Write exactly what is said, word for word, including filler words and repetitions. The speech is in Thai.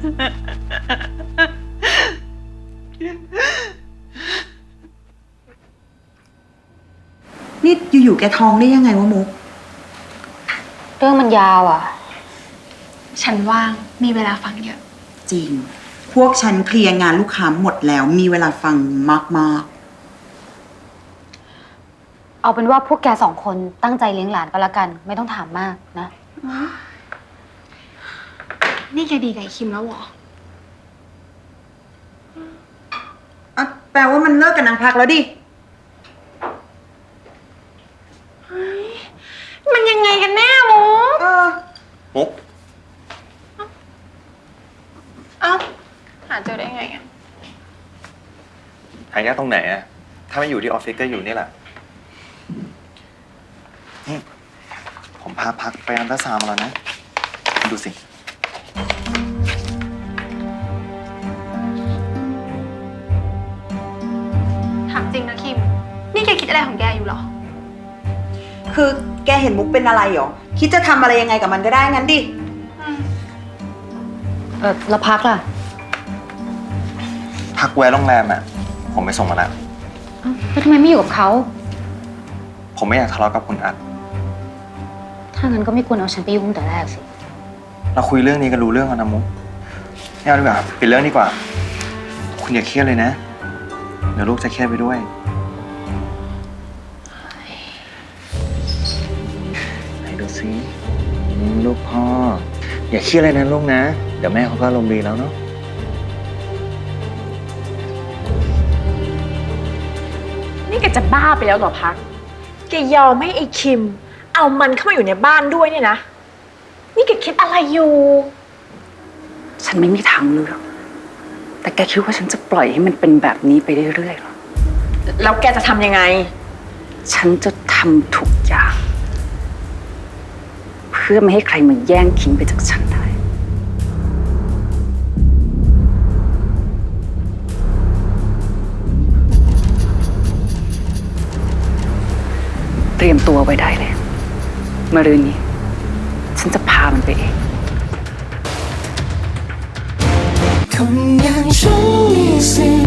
นี่อยู่ๆแกท้องได้ยังไงวะมุกเรื่องมันยาวอ่ะฉันว่างมีเวลาฟังเยอะจริงพวกฉันเคลียร์งานลูกค้าหมดแล้วมีเวลาฟังมากๆเอาเป็นว่าพวกแกสองคนตั้งใจเลี้ยงหลานก็แล้วกันไม่ต้องถามมากนะนี่แกดีกับไอ้คิมแล้วเหรออ่ะแปลว่ามันเลิกกับนางพักแล้วดิมันยังไงกันแน่มุกเออมุกเอ้าหาเจอได้ไงอ่ะหายากตรงไหนอะถ้าไม่อยู่ที่ออฟฟิศก็อยู่นี่แหละนี่ผมพาพักไปอันตราซาวด์มาแล้วนะดูสิถามจริงนะคิมนี่แกคิดอะไรของแกอยู่หรอคือแกเห็นมุกเป็นอะไรหรอคิดจะทำอะไรยังไงกับมันก็ได้งั้นดิเออแล้วพักล่ะพักแวะโรงแรมอะผมไปส่งมาแล้วแล้วทำไมไม่อยู่กับเขาผมไม่อยากทะเลาะกับคุณอัดถ้างั้นก็ไม่ควรเอาฉันไปยุ่งแต่แรกสิเราคุยเรื่องนี้กันรู้เรื่องกันนะมุกไม่เอาดีกว่าปิดเรื่องดีกว่าคุณอย่าเครียดเลยนะเดี๋ยวลูกจะเครียดไปด้วยไหนดูสิลูกพ่ออย่าเครียดเลยนะลูกนะเดี๋ยวแม่เขาก็อารมณ์ดีแล้วเนาะนี่แกจะบ้าไปแล้วเหรอพักแกยอมให้ไอ้คิมเอามันเข้ามาอยู่ในบ้านด้วยเนี่ยนะนี่แกคิดอะไรอยู่ฉันไม่มีทางเลือกแต่แกคิดว่าฉันจะปล่อยให้มันเป็นแบบนี้ไปเรื่อยๆหรอแล้วแกจะทำยังไงฉันจะทำทุกอย่างเพื่อไม่ให้ใครมาแย่งคิมไปจากฉันได้เตรียมตัวไว้ได้เลยมะรืนนี้ฉันจะพามันไปเองคนอย่างฉันมีสิท